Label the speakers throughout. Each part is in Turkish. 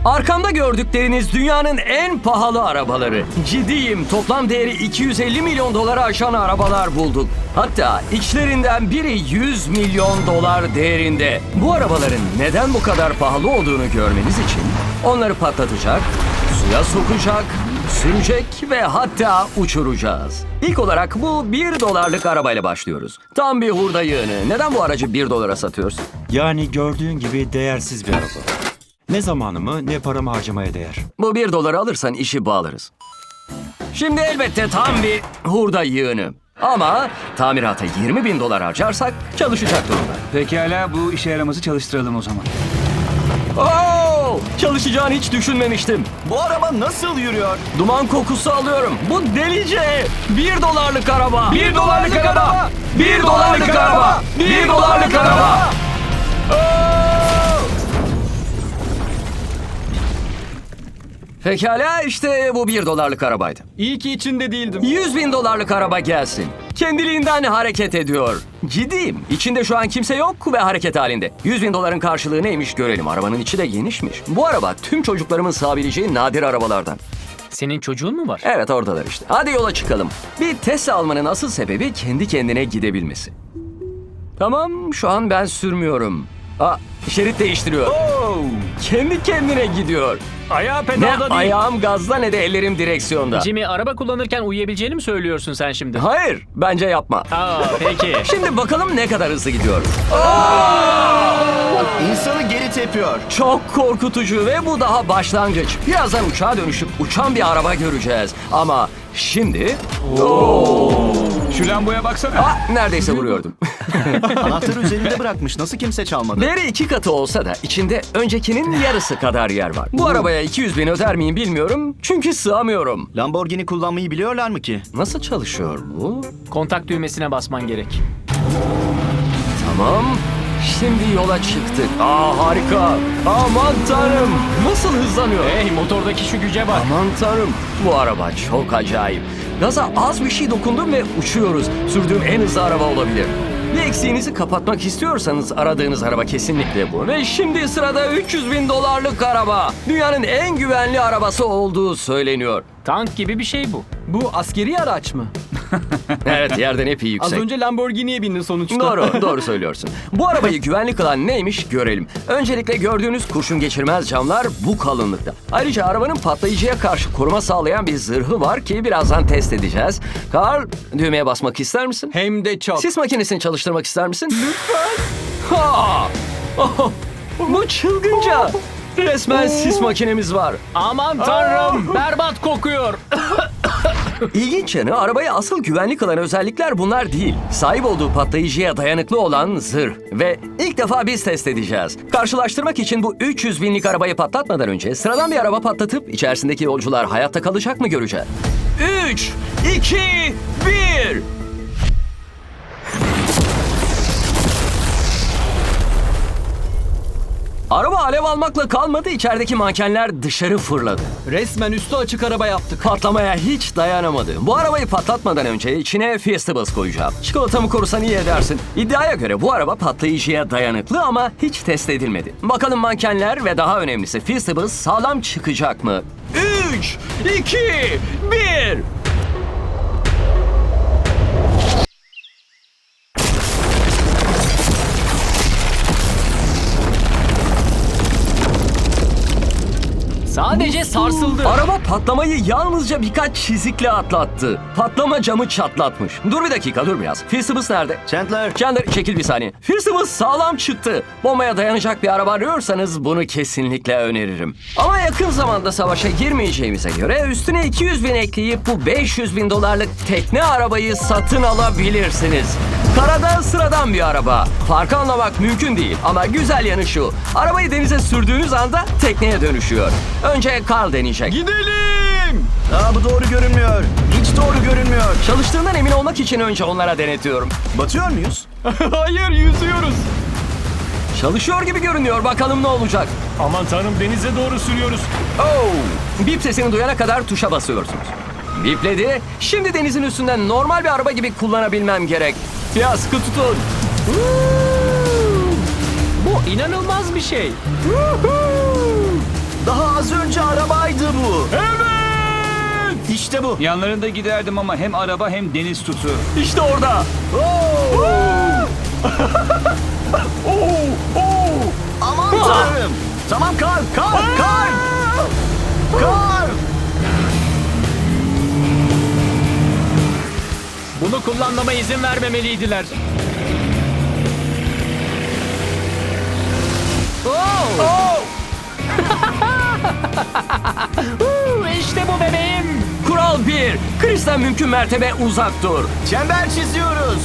Speaker 1: Arkamda gördükleriniz dünyanın en pahalı arabaları. Ciddiyim, toplam değeri 250 milyon dolara aşan arabalar bulduk. Hatta içlerinden biri 100 milyon dolar değerinde. Bu arabaların neden bu kadar pahalı olduğunu görmeniz için onları patlatacak, suya sokacak, sürecek ve hatta uçuracağız. İlk olarak bu 1 dolarlık arabayla başlıyoruz. Tam bir hurda yığını. Neden bu aracı 1 dolara satıyorsun?
Speaker 2: Yani gördüğün gibi değersiz bir araba. Ne zamanımı ne paramı harcamaya değer.
Speaker 1: Bu 1 doları alırsan işi bağlarız. Şimdi elbette tam bir hurda yığını. Ama tamirata 20 bin dolar harcarsak çalışacak durumda.
Speaker 3: Pekala, bu işe yaramazı çalıştıralım o zaman.
Speaker 1: Oo! Çalışacağını hiç düşünmemiştim.
Speaker 4: Bu araba nasıl yürüyor?
Speaker 1: Duman kokusu alıyorum. Bu delice. 1 dolarlık araba.
Speaker 3: 1 dolarlık araba!
Speaker 1: 1 dolarlık araba. 1 dolarlık araba. Pekala, işte bu 1 dolarlık arabaydı.
Speaker 4: İyi ki içinde değildim.
Speaker 1: 100 bin dolarlık araba gelsin. Kendiliğinden hareket ediyor. Ciddiyim. İçinde şu an kimse yok ve hareket halinde. 100 bin doların karşılığı neymiş görelim. Arabanın içi de genişmiş. Bu araba tüm çocuklarımın sığabileceği nadir arabalardan.
Speaker 5: Senin çocuğun mu var?
Speaker 1: Evet, oradalar işte. Hadi yola çıkalım. Bir Tesla almanın asıl sebebi kendi kendine gidebilmesi. Tamam, şu an ben sürmüyorum. Şerit değiştiriyor. Kendi kendine gidiyor.
Speaker 5: Ayağı
Speaker 1: Ne
Speaker 5: pedalda değil.
Speaker 1: ayağım gazda ne de ellerim direksiyonda.
Speaker 5: Jimmy, araba kullanırken uyuyabileceğini mi söylüyorsun sen şimdi?
Speaker 1: Hayır, bence yapma.
Speaker 5: Peki.
Speaker 1: Şimdi bakalım ne kadar hızlı gidiyor.
Speaker 4: İnsanı geri tepiyor.
Speaker 1: Çok korkutucu ve bu daha başlangıç. Birazdan uçağa dönüşüp uçan bir araba göreceğiz. Ama şimdi...
Speaker 3: Şu lamboya baksana.
Speaker 1: Neredeyse vuruyordum.
Speaker 4: Anahtarı üzerinde bırakmış. Nasıl kimse çalmadı?
Speaker 1: Değeri 2 katı olsa da içinde öncekinin yarısı kadar yer var. Bu arabaya 200 bin öder miyim bilmiyorum. Çünkü sığamıyorum.
Speaker 4: Lamborghini kullanmayı biliyorlar mı ki?
Speaker 1: Nasıl çalışıyor bu?
Speaker 5: Kontak düğmesine basman gerek.
Speaker 1: Tamam. Şimdi yola çıktık. Harika. Aman tanrım. Nasıl hızlanıyor?
Speaker 5: Hey, motordaki şu güce bak.
Speaker 1: Aman tanrım. Bu araba çok acayip. Gaza az bir şey dokundum ve uçuyoruz. Sürdüğüm en hızlı araba olabilir. Bir eksiğinizi kapatmak istiyorsanız aradığınız araba kesinlikle bu. Ve şimdi sırada 300 bin dolarlık araba. Dünyanın en güvenli arabası olduğu söyleniyor.
Speaker 5: Tank gibi bir şey bu.
Speaker 6: Bu askeri araç mı?
Speaker 1: Evet, yerden epey
Speaker 6: Az
Speaker 1: yüksek.
Speaker 6: önce Lamborghini'ye bindin sonuçta.
Speaker 1: Doğru söylüyorsun. Bu arabayı güvenli kılan neymiş görelim. Öncelikle gördüğünüz kurşun geçirmez camlar bu kalınlıkta. Ayrıca arabanın patlayıcıya karşı koruma sağlayan bir zırhı var ki birazdan test edeceğiz. Carl, düğmeye basmak ister misin?
Speaker 6: Hem de çok.
Speaker 1: Sis makinesini çalıştırmak ister misin? Lütfen. Bu çılgınca. Resmen sis makinemiz var.
Speaker 5: Aman tanrım, berbat kokuyor.
Speaker 1: İlginç yanı, arabayı asıl güvenlik kılan özellikler bunlar değil. Sahip olduğu patlayıcıya dayanıklı olan zırh. Ve ilk defa biz test edeceğiz. Karşılaştırmak için bu 300 binlik arabayı patlatmadan önce sıradan bir araba patlatıp içerisindeki yolcular hayatta kalacak mı göreceğiz. 3, 2, 1... Araba alev almakla kalmadı, içerideki mankenler dışarı fırladı.
Speaker 6: Resmen üstü açık araba yaptık.
Speaker 1: Patlamaya hiç dayanamadı. Bu arabayı patlatmadan önce içine Fiestables koyacağım. Çikolatamı korusan iyi edersin. İddiaya göre bu araba patlayıcıya dayanıklı ama hiç test edilmedi. Bakalım mankenler ve daha önemlisi Fiestables sağlam çıkacak mı? 3, 2, 1...
Speaker 5: Sadece sarsıldı.
Speaker 1: Araba patlamayı yalnızca birkaç çizikle atlattı. Patlama camı çatlatmış. Dur bir dakika, dur biraz. Fiestables nerede?
Speaker 4: Chandler.
Speaker 1: Chandler, çekil bir saniye. Fiestables sağlam çıktı. Bombaya dayanacak bir araba arıyorsanız bunu kesinlikle öneririm. Ama yakın zamanda savaşa girmeyeceğimize göre üstüne 200 bin ekleyip bu 500 bin dolarlık tekne arabayı satın alabilirsiniz. Karada sıradan bir araba. Farkı anlamak mümkün değil ama güzel yanı şu. Arabayı denize sürdüğünüz anda tekneye dönüşüyor. Önce Carl deneyecek.
Speaker 4: Gidelim. Bu doğru görünmüyor. Hiç doğru görünmüyor.
Speaker 1: Çalıştığından emin olmak için önce onlara denetiyorum.
Speaker 4: Batıyor muyuz?
Speaker 6: Hayır, yüzüyoruz.
Speaker 1: Çalışıyor gibi görünüyor. Bakalım ne olacak.
Speaker 5: Aman tanrım, denize doğru sürüyoruz.
Speaker 1: Bip sesini duyana kadar tuşa basıyorsunuz. Bipledi. Şimdi denizin üstünden normal bir araba gibi kullanabilmem gerek. Ya sıkı tutun.
Speaker 5: Bu inanılmaz bir şey.
Speaker 4: Daha az önce arabaydı bu.
Speaker 6: Evet.
Speaker 4: İşte bu.
Speaker 3: Yanlarında giderdim ama hem araba hem deniz tutu.
Speaker 6: İşte orada.
Speaker 4: Aman tanrım. Tamam kar. Kar.
Speaker 5: Bunu kullanmama izin vermemeliydiler. İşte bu bebeğim.
Speaker 1: Kural 1. Chris'ten mümkün mertebe uzak dur.
Speaker 4: Çember çiziyoruz.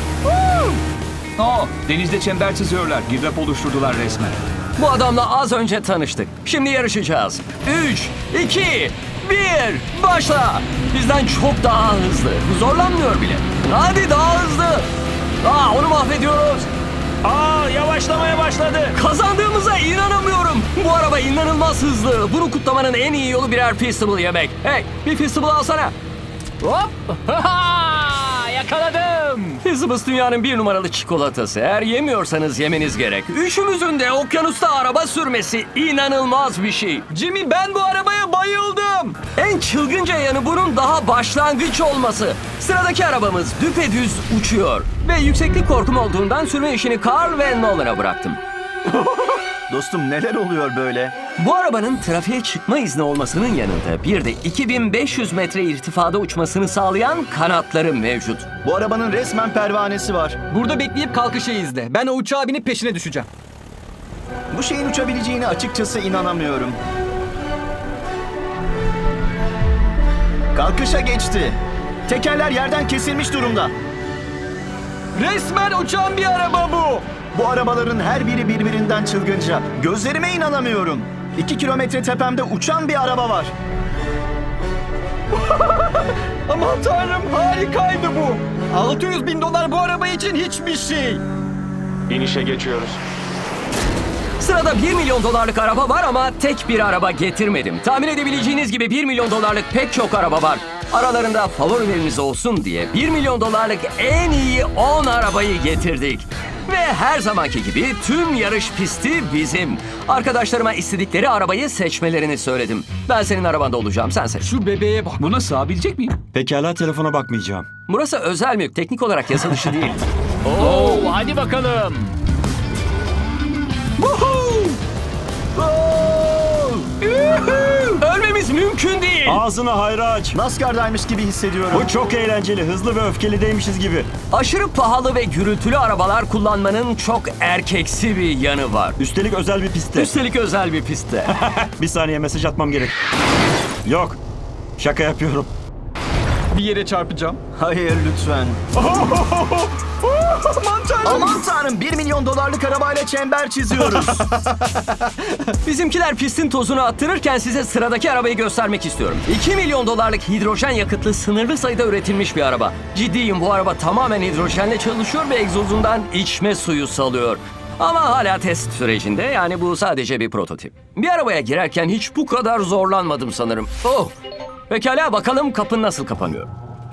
Speaker 3: Denizde çember çiziyorlar. Girdap oluşturdular resmen.
Speaker 1: Bu adamla az önce tanıştık. Şimdi yarışacağız. 3, 2, 1, başla. Bizden çok daha hızlı. Zorlanmıyor bile. Hadi daha hızlı. Onu mahvediyoruz.
Speaker 5: Yavaşlamaya başladı.
Speaker 1: Kazandığımıza inanamıyorum. Bu araba inanılmaz hızlı. Bunu kutlamanın en iyi yolu birer Feastable yemek. Hey, bir Feastable alsana.
Speaker 5: Hop. Yakaladım.
Speaker 1: Feastables dünyanın 1 numaralı çikolatası. Eğer yemiyorsanız yemeniz gerek. Üçümüzün de okyanusta araba sürmesi inanılmaz bir şey.
Speaker 6: Jimmy, ben bu arabaya bayıldım.
Speaker 1: En çılgınca yanı bunun daha başlangıç olması. Sıradaki arabamız düpedüz uçuyor. Ve yükseklik korkum olduğundan sürme işini Carl ve Nolan'a bıraktım.
Speaker 4: Dostum neler oluyor böyle?
Speaker 1: Bu arabanın trafiğe çıkma izni olmasının yanında bir de 2500 metre irtifada uçmasını sağlayan kanatları mevcut.
Speaker 4: Bu arabanın resmen pervanesi var.
Speaker 6: Burada bekleyip kalkışı izle. Ben o uçağa binip peşine düşeceğim.
Speaker 4: Bu şeyin uçabileceğine açıkçası inanamıyorum. Kalkışa geçti. Tekerler yerden kesilmiş durumda.
Speaker 6: Resmen uçan bir araba bu.
Speaker 4: Bu arabaların her biri birbirinden çılgınca. Gözlerime inanamıyorum. 2 kilometre tepemde uçan bir araba var.
Speaker 6: Aman tanrım, harikaydı bu. $600.000 bu araba için hiçbir şey.
Speaker 5: İnişe geçiyoruz.
Speaker 1: Sırada 1 milyon dolarlık araba var ama tek bir araba getirmedim. Tahmin edebileceğiniz gibi 1 milyon dolarlık pek çok araba var. Aralarında favorileriniz olsun diye 1 milyon dolarlık en iyi 10 arabayı getirdik. Ve her zamanki gibi tüm yarış pisti bizim. Arkadaşlarıma istedikleri arabayı seçmelerini söyledim. Ben senin arabanda olacağım, sen seç.
Speaker 6: Şu bebeğe bak.
Speaker 3: Buna sığabilecek miyim?
Speaker 2: Pekala, telefona bakmayacağım.
Speaker 1: Burası özel mülk, teknik olarak yasa dışı değil.
Speaker 5: Hadi bakalım.
Speaker 1: Ölmemiz mümkün değil.
Speaker 2: Ağzını hayra aç.
Speaker 4: NASCAR'daymış gibi hissediyorum.
Speaker 2: Bu çok eğlenceli, hızlı ve öfkeli değmişiz gibi.
Speaker 1: Aşırı pahalı ve gürültülü arabalar kullanmanın çok erkeksi bir yanı var.
Speaker 2: Üstelik özel bir pistte.
Speaker 1: Üstelik özel bir pistte.
Speaker 2: Bir saniye, mesaj atmam gerek. Yok, şaka yapıyorum.
Speaker 6: Bir yere çarpacağım.
Speaker 4: Hayır lütfen. Aman tanrım 1 milyon dolarlık arabayla çember çiziyoruz.
Speaker 1: Bizimkiler pistin tozunu attırırken size sıradaki arabayı göstermek istiyorum. 2 milyon dolarlık hidrojen yakıtlı sınırlı sayıda üretilmiş bir araba. Ciddiyim, bu araba tamamen hidrojenle çalışıyor ve egzozundan içme suyu salıyor. Ama hala test sürecinde, yani bu sadece bir prototip. Bir arabaya girerken hiç bu kadar zorlanmadım sanırım. Oh! Pekala, bakalım kapı nasıl kapanıyor.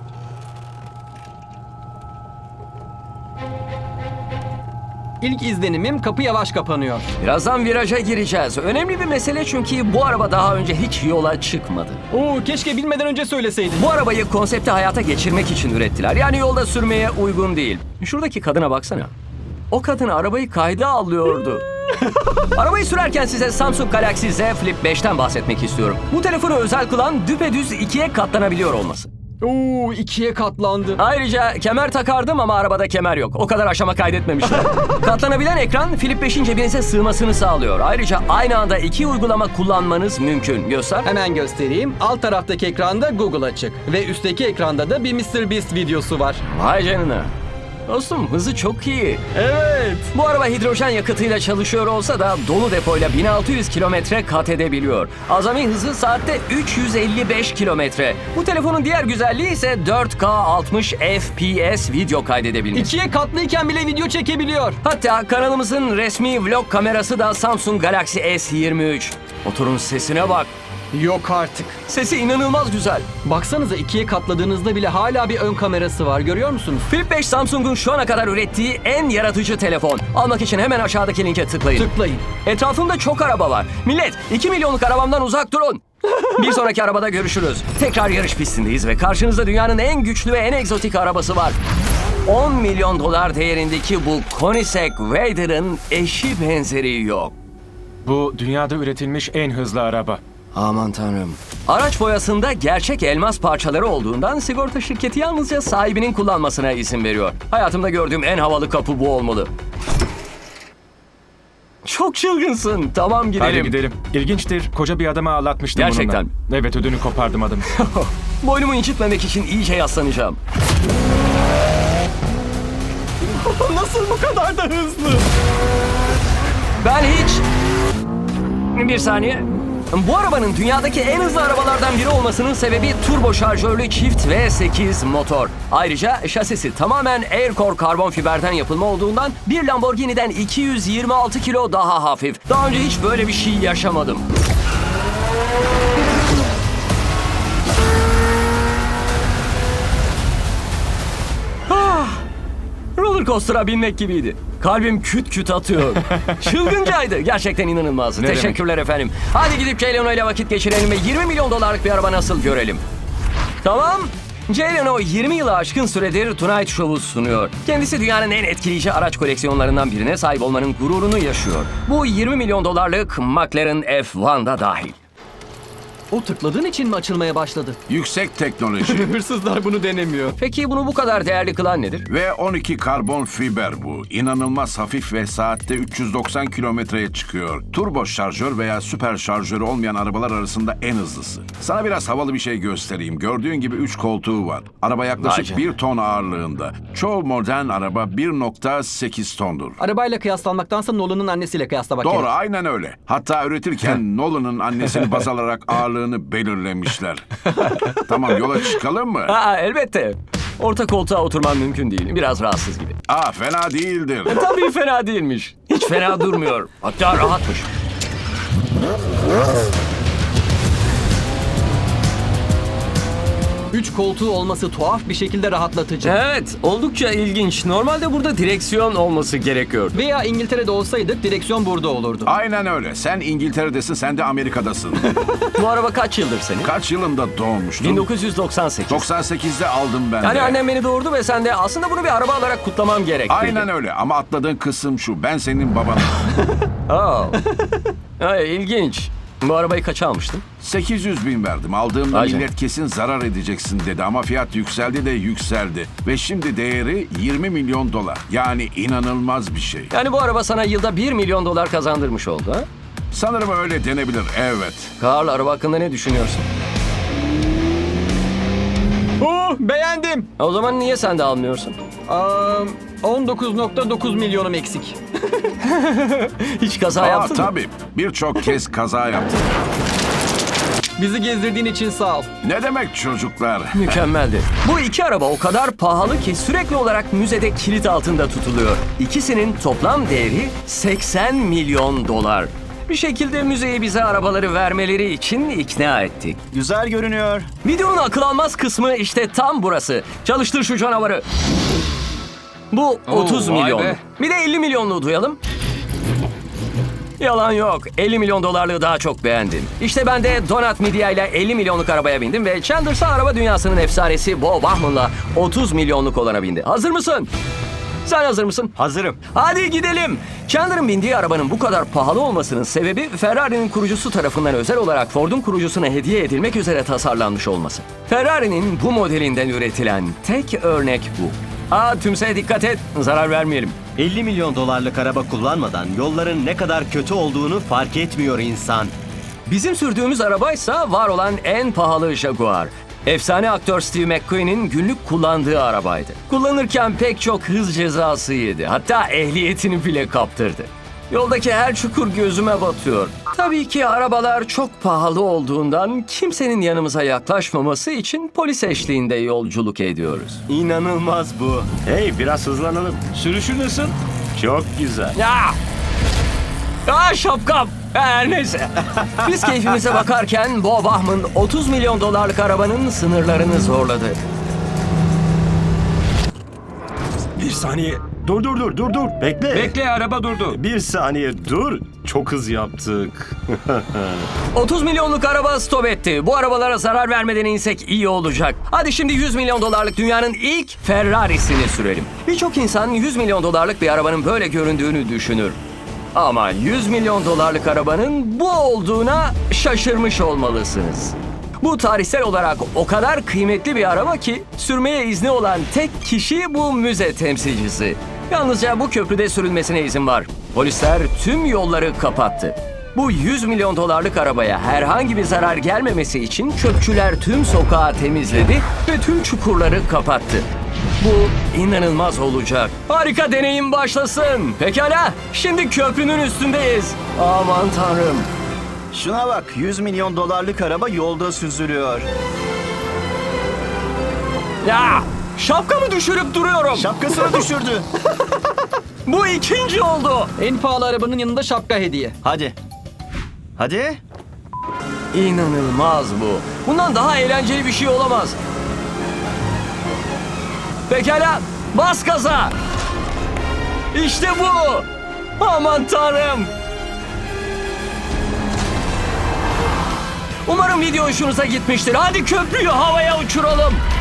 Speaker 6: İlk izlenimim, kapı yavaş kapanıyor.
Speaker 1: Birazdan viraja gireceğiz. Önemli bir mesele çünkü bu araba daha önce hiç yola çıkmadı.
Speaker 6: Keşke bilmeden önce söyleseydin.
Speaker 1: Bu arabayı konsepti hayata geçirmek için ürettiler. Yani yolda sürmeye uygun değil. Şuradaki kadına baksana. O kadın arabayı kayda alıyordu. Arabayı sürerken size Samsung Galaxy Z Flip 5'ten bahsetmek istiyorum. Bu telefonu özel kılan düpedüz ikiye katlanabiliyor olması.
Speaker 6: 2'ye katlandı.
Speaker 1: Ayrıca kemer takardım ama arabada kemer yok. O kadar aşama kaydetmemişler. Katlanabilen ekran Flip 5'in cebinize sığmasını sağlıyor. Ayrıca aynı anda 2 uygulama kullanmanız mümkün. Göster.
Speaker 6: Hemen göstereyim. Alt taraftaki ekranda Google açık. Ve üstteki ekranda da bir MrBeast videosu var.
Speaker 1: Vay canına. Dostum, hızı çok iyi.
Speaker 6: Evet.
Speaker 1: Bu araba hidrojen yakıtıyla çalışıyor olsa da dolu depoyla 1600 kilometre kat edebiliyor. Azami hızı saatte 355 kilometre. Bu telefonun diğer güzelliği ise 4K 60 FPS video kaydedebilmesi.
Speaker 6: 2'ye katlıyken bile video çekebiliyor.
Speaker 1: Hatta kanalımızın resmi vlog kamerası da Samsung Galaxy S23. Motorun sesine bak.
Speaker 6: Yok artık.
Speaker 1: Sesi inanılmaz güzel.
Speaker 6: Baksanıza ikiye katladığınızda bile hala bir ön kamerası var, görüyor musunuz?
Speaker 1: Flip 5 Samsung'un şu ana kadar ürettiği en yaratıcı telefon. Almak için hemen aşağıdaki linke tıklayın.
Speaker 6: Tıklayın.
Speaker 1: Etrafımda çok araba var. Millet 2 milyonluk arabamdan uzak durun. Bir sonraki arabada görüşürüz. Tekrar yarış pistindeyiz ve karşınızda dünyanın en güçlü ve en egzotik arabası var. 10 milyon dolar değerindeki bu Koenigsegg Raider'ın eşi benzeri yok.
Speaker 7: Bu dünyada üretilmiş en hızlı araba.
Speaker 1: Aman tanrım. Araç boyasında gerçek elmas parçaları olduğundan sigorta şirketi yalnızca sahibinin kullanmasına izin veriyor. Hayatımda gördüğüm en havalı kapı bu olmalı. Çok çılgınsın. Tamam gidelim.
Speaker 7: Hadi gidelim. İlginçtir. Koca bir adamı ağlatmıştım
Speaker 1: Gerçekten.
Speaker 7: bununla. Evet, ödünü kopardım adamı.
Speaker 1: Boynumu incitmemek için iyice yaslanacağım.
Speaker 6: Nasıl bu kadar da hızlı?
Speaker 1: Ben hiç... Bir saniye. Bu arabanın dünyadaki en hızlı arabalardan biri olmasının sebebi turbo şarjörlü çift V8 motor. Ayrıca şasisi tamamen Aircore karbon fiberden yapılma olduğundan bir Lamborghini'den 226 kilo daha hafif. Daha önce hiç böyle bir şey yaşamadım. Roller coaster'a binmek gibiydi. Kalbim küt küt atıyor. Çılgıncaydı. Gerçekten inanılmazdı.
Speaker 7: Ne
Speaker 1: Teşekkürler efendim. Hadi gidip Jay Leno ile vakit geçirelim ve 20 milyon dolarlık bir araba nasıl görelim. Tamam. Jay Leno 20 yılı aşkın süredir Tonight Show'u sunuyor. Kendisi dünyanın en etkileyici araç koleksiyonlarından birine sahip olmanın gururunu yaşıyor. Bu 20 milyon dolarlık McLaren F1'da dahil.
Speaker 6: O tıkladığın için mi açılmaya başladı?
Speaker 8: Yüksek teknoloji
Speaker 6: Hırsızlar bunu denemiyor.
Speaker 1: Peki bunu bu kadar değerli kılan nedir?
Speaker 8: ve 12 karbon fiber bu. İnanılmaz hafif ve saatte 390 kilometreye çıkıyor. Turbo şarjör veya süper şarjörü olmayan arabalar arasında en hızlısı. Sana biraz havalı bir şey göstereyim. Gördüğün gibi 3 koltuğu var. Araba
Speaker 1: Vay
Speaker 8: yaklaşık
Speaker 1: canına.
Speaker 8: 1 ton ağırlığında. Çoğu modern araba 1.8 tondur.
Speaker 6: Arabayla kıyaslanmaktansa Nolan'ın annesiyle kıyaslamak
Speaker 8: Doğru,
Speaker 6: gerek.
Speaker 8: aynen öyle. Hatta üretirken Nolan'ın annesini baz alarak ağırlığını belirlemişler. Tamam, yola çıkalım mı?
Speaker 1: Aa, elbette. Orta koltuğa oturmam mümkün değil. Biraz rahatsız gibi.
Speaker 8: Fena değildir.
Speaker 1: Tabii fena değilmiş. Hiç fena durmuyor. Hatta rahatmış.
Speaker 6: Üç koltuğu olması tuhaf bir şekilde rahatlatıcı.
Speaker 1: Evet, oldukça ilginç. Normalde burada direksiyon olması gerekiyor.
Speaker 6: Veya İngiltere'de olsaydık direksiyon burada olurdu.
Speaker 8: Aynen öyle. Sen İngiltere'desin, sen de Amerika'dasın.
Speaker 1: Bu araba kaç yıldır senin?
Speaker 8: Kaç yılında doğmuştun?
Speaker 1: 1998.
Speaker 8: 98'de aldım ben
Speaker 1: Yani
Speaker 8: de.
Speaker 1: annem beni doğurdu ve sen de aslında bunu bir araba alarak kutlamam gerek.
Speaker 8: Aynen öyle ama atladığın kısım şu. Ben senin babanım.
Speaker 1: Ay, ilginç. Bu arabayı kaça almıştın?
Speaker 8: 800 bin verdim. Aldığımda
Speaker 1: Vay
Speaker 8: millet kesin zarar edeceksin dedi ama fiyat yükseldi de yükseldi. Ve şimdi değeri 20 milyon dolar. Yani inanılmaz bir şey.
Speaker 1: Yani bu araba sana yılda 1 milyon dolar kazandırmış oldu ha?
Speaker 8: Sanırım öyle denebilir, evet.
Speaker 1: Karl, araba hakkında ne düşünüyorsun?
Speaker 6: Beğendim.
Speaker 1: O zaman niye sen de almıyorsun?
Speaker 6: 19.9 milyonum eksik.
Speaker 1: Hiç kaza yaptın mı?
Speaker 8: Tabii. Birçok kez kaza yaptım.
Speaker 6: Bizi gezdirdiğin için sağ ol.
Speaker 8: Ne demek çocuklar?
Speaker 1: Mükemmeldi. Bu iki araba o kadar pahalı ki sürekli olarak müzede kilit altında tutuluyor. İkisinin toplam değeri 80 milyon dolar. Bir şekilde müzeye bize arabaları vermeleri için ikna ettik.
Speaker 4: Güzel görünüyor.
Speaker 1: Videonun akıl almaz kısmı işte tam burası. Çalıştır şu canavarı. Bu 30
Speaker 3: vay
Speaker 1: milyon.
Speaker 3: be.
Speaker 1: Bir de 50 milyonluğu duyalım. Yalan yok. 50 milyon dolarlığı daha çok beğendim. İşte ben de Donut Media ile 50 milyonluk arabaya bindim ve Chandler'sa araba dünyasının efsanesi Bo Bauman'la 30 milyonluk olana bindi. Hazır mısın? Sen hazır mısın?
Speaker 2: Hazırım.
Speaker 1: Hadi gidelim. Chandler'ın bindiği arabanın bu kadar pahalı olmasının sebebi Ferrari'nin kurucusu tarafından özel olarak Ford'un kurucusuna hediye edilmek üzere tasarlanmış olması. Ferrari'nin bu modelinden üretilen tek örnek bu. Tümseye dikkat et, zarar vermeyelim.
Speaker 9: 50 milyon dolarlık araba kullanmadan yolların ne kadar kötü olduğunu fark etmiyor insan.
Speaker 1: Bizim sürdüğümüz arabaysa var olan en pahalı Jaguar. Efsane aktör Steve McQueen'in günlük kullandığı arabaydı. Kullanırken pek çok hız cezası yedi. Hatta ehliyetini bile kaptırdı. Yoldaki her çukur gözüme batıyor. Tabii ki arabalar çok pahalı olduğundan kimsenin yanımıza yaklaşmaması için polis eşliğinde yolculuk ediyoruz.
Speaker 9: İnanılmaz bu.
Speaker 2: Hey, biraz hızlanalım.
Speaker 3: Sürüşü nasıl?
Speaker 2: Çok güzel.
Speaker 1: Ya! Şapkam. Her neyse. Biz keyfimize bakarken Bob Ahman 30 milyon dolarlık arabanın sınırlarını zorladı.
Speaker 10: Bir saniye. Dur. Bekle.
Speaker 3: Bekle, araba durdu.
Speaker 10: Bir saniye dur. Çok hız yaptık.
Speaker 1: 30 milyonluk araba stop etti. Bu arabalara zarar vermeden insek iyi olacak. Hadi şimdi 100 milyon dolarlık dünyanın ilk Ferrari'sini sürelim. Birçok insan 100 milyon dolarlık bir arabanın böyle göründüğünü düşünür. Ama 100 milyon dolarlık arabanın bu olduğuna şaşırmış olmalısınız. Bu tarihsel olarak o kadar kıymetli bir araba ki sürmeye izni olan tek kişi bu müze temsilcisi. Yalnızca bu köprüde sürülmesine izin var. Polisler tüm yolları kapattı. Bu 100 milyon dolarlık arabaya herhangi bir zarar gelmemesi için çöpçüler tüm sokağı temizledi ve tüm çukurları kapattı. Bu inanılmaz olacak. Harika deneyim başlasın. Pekala, şimdi köprünün üstündeyiz. Aman tanrım.
Speaker 4: Şuna bak, 100 milyon dolarlık araba yolda süzülüyor.
Speaker 1: Ya, şapkamı düşürüp duruyorum.
Speaker 4: Şapkasını düşürdü.
Speaker 1: Bu ikinci oldu.
Speaker 6: En pahalı arabanın yanında şapka hediye.
Speaker 4: Hadi.
Speaker 1: İnanılmaz bu. Bundan daha eğlenceli bir şey olamaz. Pekala, bas gaza. İşte bu. Aman tanrım. Umarım video hoşunuza gitmiştir. Hadi köprüyü havaya uçuralım.